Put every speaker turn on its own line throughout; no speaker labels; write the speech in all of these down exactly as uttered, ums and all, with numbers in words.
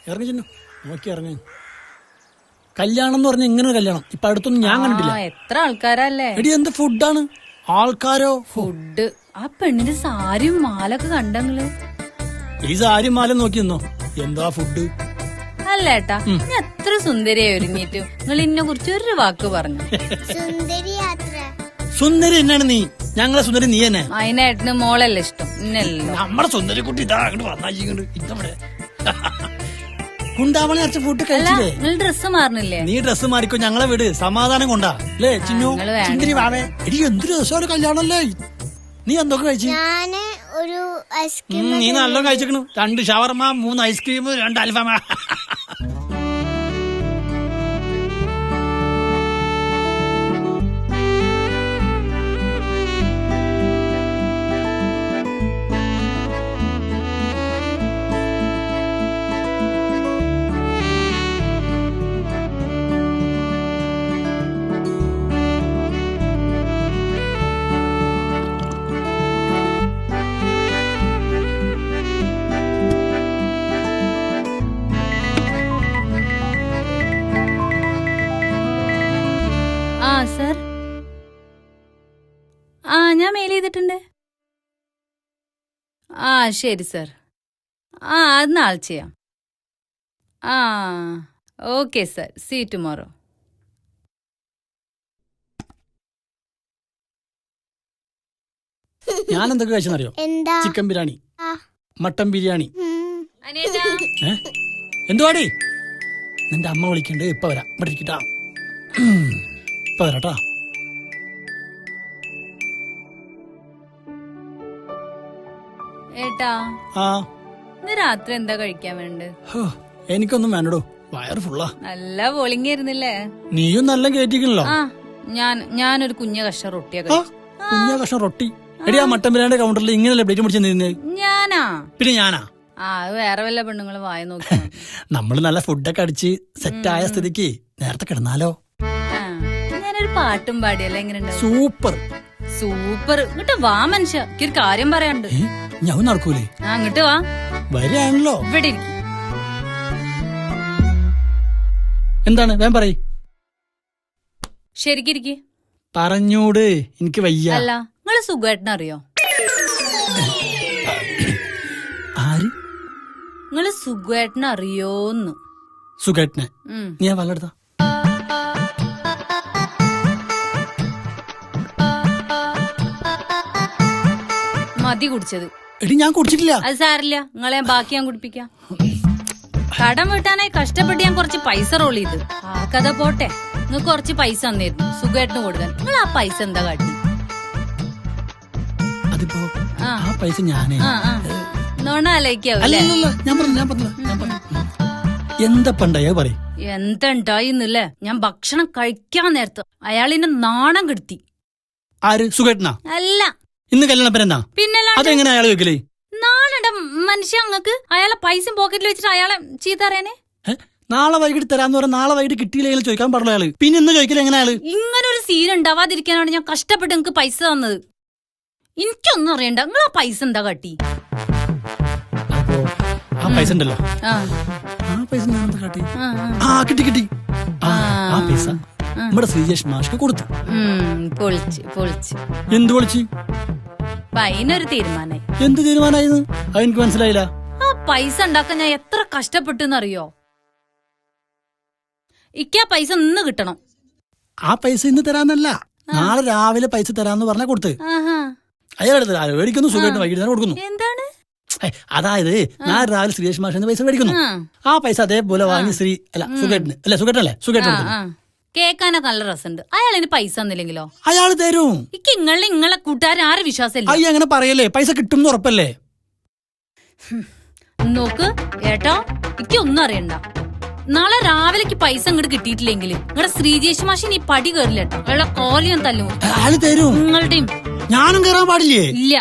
ഇറങ്ങി ചെന്നു നോക്കി ഇറങ്ങി. കല്യാണം എന്ന് പറഞ്ഞ ഇങ്ങനെ കല്യാണം ഇപ്പൊ അടുത്തൊന്നും ഞാൻ കണ്ടിട്ടില്ല.
എത്ര ആൾക്കാരല്ലേ
എടി എന്ത് ഫുഡാണ്, ആൾക്കാരോ
ഫുഡ്. ആ പെണ്ണിന്റെ സാരിയും മാലൊക്കെ കണ്ടങ്ങള്.
ഈ സാരി മാല നോക്കി നിന്നോ, എന്താ ഫുഡ്.
അല്ല ഏട്ടാ, ഞാൻ എത്ര സുന്ദരിയായി ഒരുങ്ങിയിട്ടു നിങ്ങൾ ഇന്നെ കുറിച്ച് ഒരു വാക്ക് പറഞ്ഞു.
സുന്ദരി എന്നാണ് നീ, ഞങ്ങളെ സുന്ദരി നീ തന്നെ.
അതിനേട്ടന് മോളല്ലേ ഇഷ്ടം, ഇന്നല്ലോ.
നമ്മുടെ സുന്ദരി കുട്ടി ഇതാ അങ്ങോട്ട് വന്നായിങ്ങോട്ട് ഇതവിടെ കുണ്ടാവണി അരച്ച ഫുഡ് കഴിച്ചില്ലേ.
നിങ്ങൾ ഡ്രസ്സ് മാറണില്ലേ?
നീ ഡ്രസ്സ് മാറിക്കോ, ഞങ്ങളെ വീട് സമാധാനം കൊണ്ടാ അല്ലേ ചിന്നു. സുന്ദരി വാവേ, എടി എന്തൊരു രസമാണ് കല്യാണല്ലേ. നീ എന്തൊക്കെ കഴിച്ചു?
ഒരു ഐസ്ക്രീം.
നീ നല്ല കഴിച്ചിരിക്കണു. രണ്ട് ഷവർമ, മൂന്ന് ഐസ്ക്രീം, രണ്ട് അൽഫാമ.
ആ സർ, ആ ഞാൻ മെയിൽ ചെയ്തിട്ടുണ്ട്. ആ ശരി സർ. ആ അത് നാളെ ചെയ്യാം. ആ ഓക്കെ സർ, സീ ടുമോറോ.
ഞാൻ എന്തൊക്കെ കഴിച്ചെന്നറിയോ? Chicken biryani, mutton biryani. എന്തുവാടി? നിന്റെ അമ്മ വിളിക്കണ്ട്, ഇപ്പൊ വരാം. ഇവിടെ ഇരിക്കട്ടാ, ഇപ്പൊ വരാട്ടാ.
ഏട്ടാ,
ആ
ഇന്ന് രാത്രി എന്താ കഴിക്കാൻ വേണ്ടത്?
എനിക്കൊന്നും വേണ്ടടോ, വയറ് ഫുള്ളാ.
നല്ല ബോളിംഗ് ആയിരുന്നില്ലേ?
നീയും നല്ല കേറ്റിക്കണല്ലോ.
ആ ഞാൻ ഞാനൊരു കുഞ്ഞ കഷ്ണം റൊട്ടിയൊക്കെ
കുഞ്ഞ കഷ്ണം റൊട്ടി. എടി ആ മട്ടൻ ബിരിയാണിയുടെ കൗണ്ടറിൽ ഇങ്ങനെയല്ലേ പ്ലേറ്റ് പിടിച്ചിരുന്നത്?
ഞാനാ?
പിന്നെ ഞാനാ?
ആ അത് വേറെ വല്ല പെണ്ണുങ്ങള് വായ നോക്കി.
നമ്മള് നല്ല ഫുഡൊക്കെ അടിച്ച് സെറ്റായ സ്ഥിതിക്ക് നേരത്തെ കിടന്നാലോ?
ഞാനൊരു പാട്ടും പാടിയല്ലേ, എങ്ങനെയുണ്ട്?
Super
super. ഇങ്ങോട്ട് വാ മനുഷ്യ, എനിക്കൊരു കാര്യം പറയാനുണ്ട്.
ഞാൻ നടക്കൂലേ?
ആ ഇങ്ങോട്ട് വാ.
വരികയാണല്ലോ.
ഇവിടെ ഇരിക്കും.
എന്താണ് വേം പറയ്.
ശരിക്കിരിക്ക്.
പറഞ്ഞൂട്, എനിക്ക് വയ്യ.
അല്ല നിങ്ങള് സുഖേട്ടനെ അറിയോ?
ആര്?
നിങ്ങള് സുഖേട്ടനെ അറിയോന്ന്?
സുഖേട്ടനെ? നീ വല്ലെടുത്ത
മതി കുടിച്ചത്.
എടി ഞാൻ കുടിച്ചിട്ടില്ല.
അത് സാരില്ല, നിങ്ങളെ ബാക്കി ഞാൻ കുടിപ്പിക്കാം. കടം വീട്ടാനായി കഷ്ടപ്പെട്ട് ഞാൻ കുറച്ച് പൈസ റോൾ ചെയ്ത്. ആ കഥ പോട്ടെ, നിങ്ങൾക്ക് കുറച്ച് പൈസ തന്നിരുന്നു സുഖേട്ടന് കൊടുക്കാൻ. നിങ്ങൾ ആ പൈസ എന്താ കാട്ടി?
അതിപ്പോ ആ പൈസ ഞാനേ
നോണ ആലോചിക്കാവൂല്ലേ?
എന്താ പണ്ടായ പറയും.
എന്തുണ്ടായിന്നല്ലേ? ഞാൻ ഭക്ഷണം കഴിക്കാൻ നേരത്ത് അയാളിനെ നാണം കെടുത്തി.
ആര്? സുഖേട്ടനാ?
അല്ല,
ഇന്ന് കല്യാണപ്പരെന്നാ?
പിന്നല്ല.
അതെങ്ങനെ അയാൾ വെക്കലേ?
നാണുണ്ട മനുഷ്യ അങ്ങക്ക്. അയാളെ പൈസ പോക്കറ്റിൽ വെച്ചിട്ട് അയാളെ ചീത്ത അറിയാനേ?
നാളെ വൈകിട്ട് തരാന്ന് പറഞ്ഞാൽ നാളെ വൈകിട്ട് കിട്ടിയില്ലെങ്കിൽ ചോദിക്കാൻ പാടില്ല അയാള്. പിന്നെ ഇന്ന് ചോദിക്കല എങ്ങനെ അയാള്?
ഇങ്ങനെ ഒരു സീൻ ഉണ്ടാവാതിരിക്കാനാണ് ഞാൻ കഷ്ടപ്പെട്ട് നിങ്ങക്ക് പൈസ തന്നത്. എനിക്കൊന്നും അറിയണ്ട, നിങ്ങൾ ആ പൈസ എന്താ കാട്ടി?
ആ പൈസ ഉണ്ടല്ലോ, ആ പൈസ കാട്ടി. ആ കിട്ടി കിട്ടി. ആ പൈസ നമ്മുടെ ശ്രീജേഷ് മാഷ്ക്ക് കൊടുത്തു.
പൊളിച്ച് പൊളിച്ച്.
എന്ത് പൊളിച്ച്?
അതിനൊരു തീരുമാനായി.
എന്ത് തീരുമാനായിരുന്നു? അതെനിക്ക് മനസ്സിലായില്ല.
ആ പൈസ ഉണ്ടാക്കാൻ ഞാൻ എത്ര കഷ്ടപ്പെട്ടെന്നറിയോ? ഇക്കാ പൈസ ഇന്ന് കിട്ടണം.
ആ പൈസ ഇന്ന് തരാന്നല്ല, നാളെ രാവിലെ പൈസ തരാന്ന് പറഞ്ഞാ കൊടുത്ത്. അയാളെടുത്ത് മേടിക്കുന്നു, സുഖമായിട്ട് വൈകിട്ട് തന്നെ കൊടുക്കുന്നു.
എന്താണ്?
അതായത് നാളെ രാവിലെ ശ്രീജേഷ് മാഷിന് പൈസ മേടിക്കുന്നു. ആ പൈസ അതേപോലെ വാങ്ങി ശ്രീ അല്ല സുഖേട്ടന് അല്ലെ സുഖേട്ടനല്ലേ സുഖേട്ടൻ
കേക്കാനൊക്കെ നല്ല രസമുണ്ട്. അയാൾ ഇനി പൈസ തന്നില്ലെങ്കിലോ?
അയാൾ തരും.
ഇക്ക് ഇങ്ങളെ ഇങ്ങളെ കൂട്ടുകാരൻ ആരെ വിശ്വാസമില്ല.
അയ്യ അങ്ങനെ പറയല്ലേ, പൈസ കിട്ടും ഉറപ്പല്ലേ?
നോക്ക് ഏട്ടാ, ഇക്ക് ഒന്നും അറിയണ്ട. നാളെ രാവിലേക്ക് പൈസ അങ്ങോട്ട് കിട്ടിയിട്ടില്ലെങ്കിൽ നിങ്ങളുടെ ശ്രീജേഷ് മാഷി നീ പടി കയറില്ല കേട്ടോ. അയാളെ കോലിയും തല്ലും.
അയാള് തരും.
നിങ്ങളുടെയും
ഞാനും കയറാൻ പാടില്ലേ?
ഇല്ല.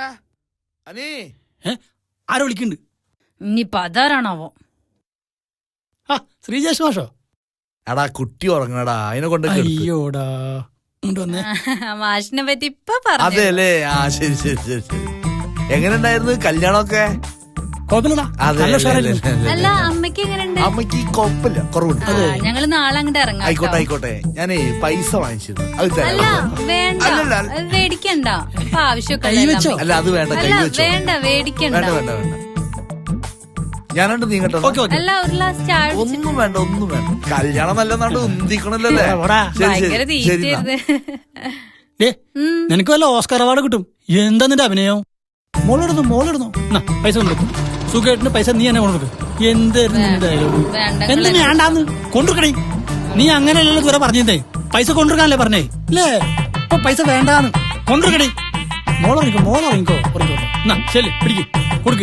ആരോ വിളിക്കുന്നുണ്ട്.
ഇനിയിപ്പൊ അതാരാണാവോ?
ആ ശ്രീജേഷ് മാഷോ?
എടാ കുട്ടി ഉറങ്ങടാ, അതിനെ കൊണ്ട്.
അയ്യോടാ,
മാഷിനെ പറ്റി ഇപ്പൊ പറഞ്ഞു.
അതെല്ലേ? ആ ശരി ശരി ശരി ശരി. എങ്ങനെ ഉണ്ടായിരുന്നു കല്യാണമൊക്കെ?
കുഴപ്പമില്ലടാ
അതെ,
നല്ല
അതെ,
ഉഷാറായിരുന്നു.
അതെ, അതെ.
അല്ല അമ്മയ്ക്ക് എങ്ങനെയുണ്ട്
അമ്മക്ക് കുഴപ്പമില്ല, കുറവുണ്ട്.
ഞങ്ങള് നാളെ അങ്ങോട്ട് ഇറങ്ങാം
ആയിക്കോട്ടെ
കേട്ടോ.
ആയിക്കോട്ടെ, ഞാനേ പൈസ വാങ്ങിച്ചിരുന്നു, അത്
അല്ല
തരാം.
വേണ്ട
അല്ലല്ല.
അത് മേടിക്കണ്ട ഇപ്പൊ ആവശ്യമൊക്കെ
കൈ വെച്ചോ?
അല്ല അത് വേണ്ട, കൈ
അല്ല
വെച്ചോ.
വേണ്ട മേടിക്കണ്ട
വേണ്ട വേണ്ട വേണ്ട, ഞാനുണ്ട് നീങ്ങട്ടോ.
ഓക്കെ ഓക്കെ
അല്ല ഒരു ഗ്ലാസ് ചായ കുടിച്ച്
ഒന്നും വേണ്ട ഒന്നും വേണ്ട, കല്യാണം നല്ലെന്നാണ്ട് ഉന്തിക്കണല്ലോ അല്ലേ.
എവിടാ?
ശരി
ഭയങ്കര
ശരി ശരി എന്നാ.
തീറ്റരുത്.
ഡേ നിനക്ക് വല്ല ഓസ്കാർ അവാർഡ് കിട്ടും. എന്താ നിന്റെ അഭിനയം? മോളിടുന്നു മോളിടുന്നു എന്നാ പൈസ കൊണ്ടുവെക്കും. സുഖമായിട്ടിന് പൈസ നീ എന്നെ കൊണ്ടുവെക്കും. എന്തായിരുന്നു നിന്റെ ഡയലോഗ്?
വേണ്ട
എന്ത് വേണ്ടാന്ന് കൊണ്ടുക്കണേ. നീ അങ്ങനെയല്ലല്ലോ ഇതുവരെ പറഞ്ഞേ. പൈസ കൊണ്ടുവെക്കാനല്ലേ പറഞ്ഞേ അല്ലേ? ഇപ്പൊ പൈസ വേണ്ടാന്ന് കൊണ്ടുവെക്കണേ. മോളിറങ്ങിക്കോ മോളിറങ്ങിക്കോ ഉറങ്ങിക്കോ. എന്നാ ശരി പിടിക്ക് കൊടുക്ക്.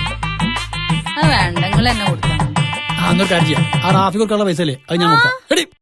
അത് വേണ്ട നിങ്ങൾ എന്നെ കൊടുക്കണം.
ആ എന്നൊരു കാര്യം ചെയ്യാം. ആ റാഫി കൊടുക്കാനുള്ള പൈസ അല്ലേ അത് ഞാൻ കൊടുക്കാം. എടി